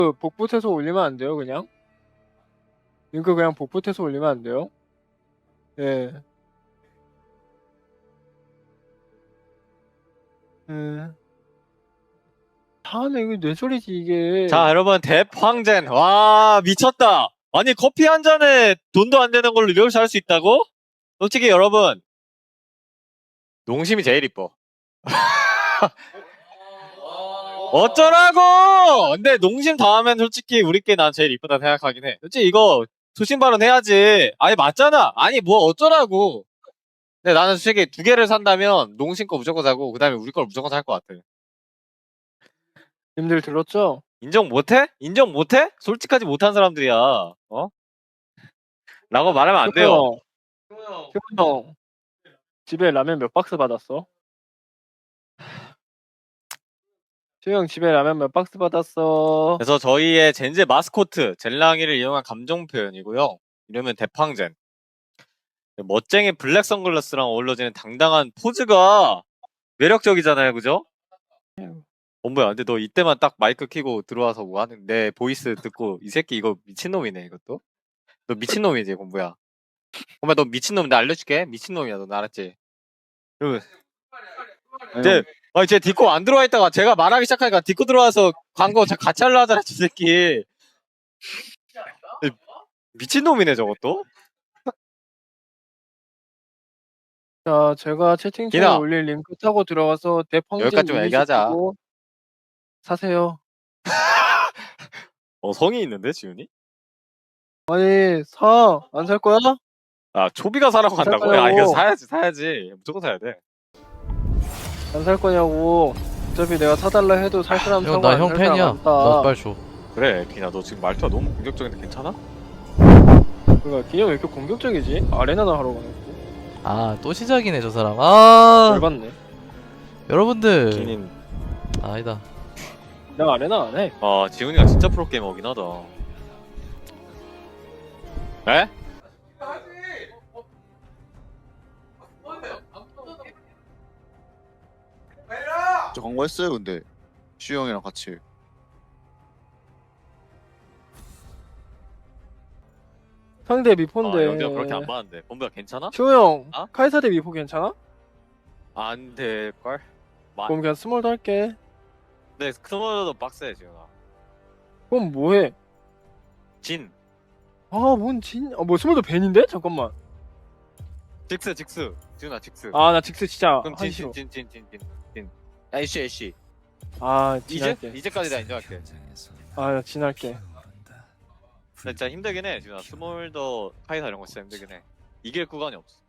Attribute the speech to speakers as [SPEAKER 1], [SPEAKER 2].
[SPEAKER 1] 그 복붙해서 올리면 안 돼요, 그냥? 링크 그냥 복붙해서 올리면 안 돼요? 예. 예. 다음에 이거 내 소리지, 이게.
[SPEAKER 2] 자, 여러분, 대황젠. 와, 미쳤다. 아니, 커피 한 잔에 돈도 안 되는 걸로 이렇게 할 수 있다고? 솔직히 여러분, 농심이 제일 이뻐. 어쩌라고! 근데 농심 다음엔 솔직히 우리께 난 제일 이쁘다 생각하긴 해. 솔직히 이거 소신 발언 해야지. 아니, 맞잖아. 아니, 뭐 어쩌라고. 근데 나는 솔직히 두 개를 산다면 농심 거 무조건 사고, 그 다음에 우리 걸 무조건 살 것 같아.
[SPEAKER 1] 님들 들었죠?
[SPEAKER 2] 인정 못해? 인정 못해? 솔직하지 못한 사람들이야. 어? 라고 말하면 안 돼요.
[SPEAKER 1] 형, 집에 라면 몇 박스 받았어? 형, 집에 라면 몇 박스 받았어?
[SPEAKER 2] 그래서 저희의 젠제 마스코트 젤랑이를 이용한 감정 표현이고요. 이름은 대팡젠. 멋쟁이 블랙 선글라스랑 어울러지는 당당한 포즈가 매력적이잖아요, 그죠? 뭐야, 근데 너 이때만 딱 마이크 켜고 들어와서 뭐 하는 내 보이스 듣고 이 새끼 이거 미친놈이네 이것도. 너 미친놈이지, 공부야. 공부야 너 미친놈인데 알려줄게. 미친놈이야 너 알았지? 그러면 쟤 디코 안 들어와 있다가 제가 말하기 시작하니까 디코 들어와서 광고 같이 하려 하잖아, 저 새끼. 미친놈이네 저것도.
[SPEAKER 1] 자, 제가 채팅창에
[SPEAKER 2] 기나.
[SPEAKER 1] 올릴 링크 타고 들어가서 대펑진
[SPEAKER 2] 여기까지 좀 얘기하자.
[SPEAKER 1] 사세요.
[SPEAKER 2] 성이 있는데 지훈이?
[SPEAKER 1] 아니, 안 살 거야?
[SPEAKER 2] 아, 초비가 사라고 한다고? 야,
[SPEAKER 1] 살까요?
[SPEAKER 2] 이거 사야지. 무조건 사야 돼.
[SPEAKER 1] 안 살 거냐고. 어차피 내가 사달라 해도 살 사람 사고
[SPEAKER 3] 나
[SPEAKER 1] 안
[SPEAKER 3] 형
[SPEAKER 1] 살 사람
[SPEAKER 3] 팬이야.
[SPEAKER 1] 안
[SPEAKER 3] 나
[SPEAKER 1] 사.
[SPEAKER 3] 빨리 줘.
[SPEAKER 2] 그래, 기나 너 지금 말투가 너무 공격적인데 괜찮아?
[SPEAKER 1] 그러니까 기념 왜 이렇게 공격적이지? 아레나나 하러 가놓고.
[SPEAKER 3] 아, 또 시작이네, 저 사람. 아,
[SPEAKER 1] 열받네.
[SPEAKER 3] 여러분들.
[SPEAKER 2] 기님.
[SPEAKER 3] 아니다.
[SPEAKER 1] 나 아레나 안 해.
[SPEAKER 2] 아, 지훈이가 진짜 프로게이머긴 하다. 에?
[SPEAKER 4] 저 광고했어요 근데 슈 형이랑 같이.
[SPEAKER 1] 상대
[SPEAKER 2] 아,
[SPEAKER 1] 미포인데.
[SPEAKER 2] 영재가 그렇게 안 봤는데. 본부야 괜찮아?
[SPEAKER 1] 형,
[SPEAKER 2] 어?
[SPEAKER 1] 카이사 대 미포 괜찮아?
[SPEAKER 2] 안 될걸?
[SPEAKER 1] 그럼 그냥 스몰도 할게.
[SPEAKER 2] 근데 스몰도 빡세, 지훈아.
[SPEAKER 1] 그럼 뭐해?
[SPEAKER 2] 진.
[SPEAKER 1] 아, 뭐 스몰도 벤인데? 잠깐만.
[SPEAKER 2] 직스. 지훈아, 직스.
[SPEAKER 1] 아, 나 직스 진짜
[SPEAKER 2] 그럼
[SPEAKER 1] 하기 싫어.
[SPEAKER 2] 진. 애쉬.
[SPEAKER 1] 아,
[SPEAKER 2] 이제?
[SPEAKER 1] 진할게.
[SPEAKER 2] 이제까지 다 인정할게.
[SPEAKER 1] 아, 나 진할게.
[SPEAKER 2] 진짜 힘들긴 해, 지훈아. 스몰더 카이사 이런 거 진짜 힘들긴 해. 이길 구간이 없어.